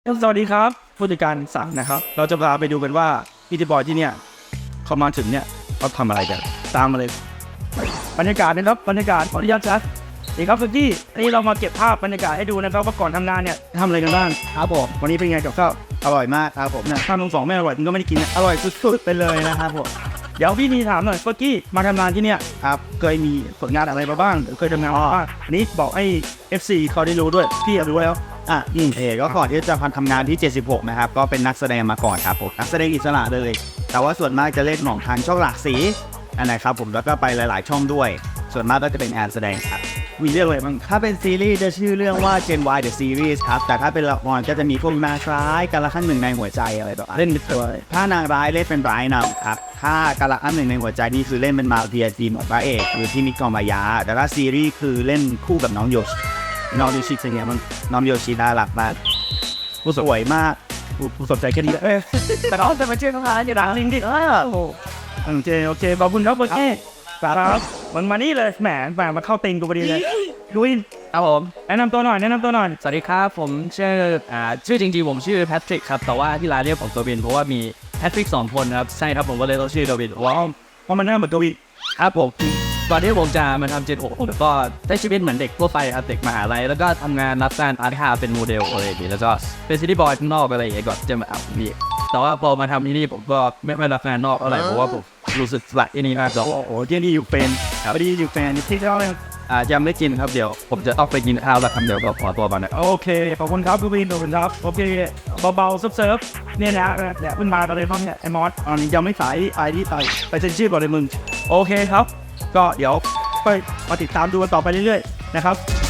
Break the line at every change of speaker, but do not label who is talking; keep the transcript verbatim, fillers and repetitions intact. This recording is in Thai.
สวัสดีครับผู้จัดการสั่งนะครับเราจะพาไปดูกันว่าพิธีบอยที่เนี่ยเขามาถึงเนี่ยเขาทำอะไรกันตามมาเลยบรรยากาศนะครับบรรยากาศขออนุญาตชัดนี่ครับพี่นี่เรามาเก็บภาพบรรยากาศให้ดูนะครับว่าก่อนทำงานเนี่ยทำอะไรกันบ้างครับผมวันนี้เป็นไงกับข้าวอร่อยมากครับผมเนี่ยข้าวทั้งสองไม่อร่อยมึงก็ไม่ได้กินอร่อยสุดๆไปเลยนะครับผมเดี๋ยวพี่นีถามหน่อยเมื่อกี้มาทำงานที่เนี่ยครับเคยมีผลงานอะไรมาบ้างเคยทำงานบ้างอันนี้บอกให้ เอฟ ซี เขาได้รู้ด้วยพี่อยากรู้แล้ว
อ่ะอืมเอก็ก่อนที่จะทำงานที่เจ็ดสิบหกนะครับก็เป็นนักแสดงมาก่อนครับผมนักแสดงอิสระเลยแต่ว่าส่วนมากจะเล่นของทางช่องหลากสีอันไหนครับผมแล้วก็ไปหลายๆช่องด้วยส่วนมากก็จะเป็นแอนแสดงครับ
มีเรื่องอะไรบ้าง
ถ้าเป็นซีรีส์จะชื่อเรื่องว่า Gen Y The Series ครับแต่ถ้าเป็นละครก็จะมีพวกนาคร้ายกาละครั้งหนึ่งในหัวใจอะไรแบบ
เล่นเป็นตัว
ถ้านางร้ายเล่นเป็นร้ายนำครับถ้ากาละครั้งหนึ่งในหัวใจนี่คือเล่นเป็นมาเฟียทีมของพระเอกหรือที่มิกองมายาแต่ถ้าซีรีส์คือเล่นคู่กับน้องโยชน้องโยชิเป็นไงบ้างน้องโยชิน่ารักมากสวยมาก
ผู้สนใจแค่นี้แหละแต่เขาจะมาเชื่อเขาหาอยู่ดังจริงๆเออโอเคโอเคขอบคุณครับโอเคครับมันมานี่เลยแหมแหมมาเข้าติงกูพอดีเลยลุย
ครับผม
แนะนำตัวหน่อยแนะนำตัวหน่อย
สวัสดีครับผมชื่ออ่าชื่อจริงๆผมชื่อแพทริกครับแต่ว่าที่ร้านเรียกผมตัวบินเพราะว่ามีแพทริกสองคนครับใช่ครับผมก็เลยต้องชื่อตัวบิน
ว้าวเพราะมันหน้าเหมือนตัวบิน
ครับผมก่อนที่ผมจะมาทำเจ็ดหกผมก็ได้ชีวิตเหมือนเด็กทั่วไปครับเด็กมหาลัยแล้วก็ทำงานรับการอาร์ตคาเป็นโมเดลอะไรอย่างนี้แล้วก็เป็นซิตี้บอยข้างนอกอะไรอย่างเงี้ยก่อนจะมาเอานี่แต่ว่าพอมาทำที่นี่ผมก็ไม่ไม่รับงานนอกอะไรเพราะว่าผมรู้สึกสละที่นี่มาก
โอ้โหที่นี่อยู่เป็นพอดีอยู่แฟนที่เท่าไหร่
อ่ายังไม่กินครับเดี๋ยวผมจะต้องไปกินข้าวแล้วครับเดี๋ยวก็ขอตัวมานะ
โอเคขอบคุณครับพี่บินขอบคุณครับโอเคเบาๆเซิร์ฟๆเนี่ยนะเนี่ยขึ้นมาตอนนี้เนี่ยไอ้มอสอันนี้ยังไม่สายไอ้ที่ไปไปเซ็นชื่อก่อนเลยมึงโอเคครับก็เดี๋ยวไปมาติดตามดูกันต่อไปเรื่อยๆนะครับ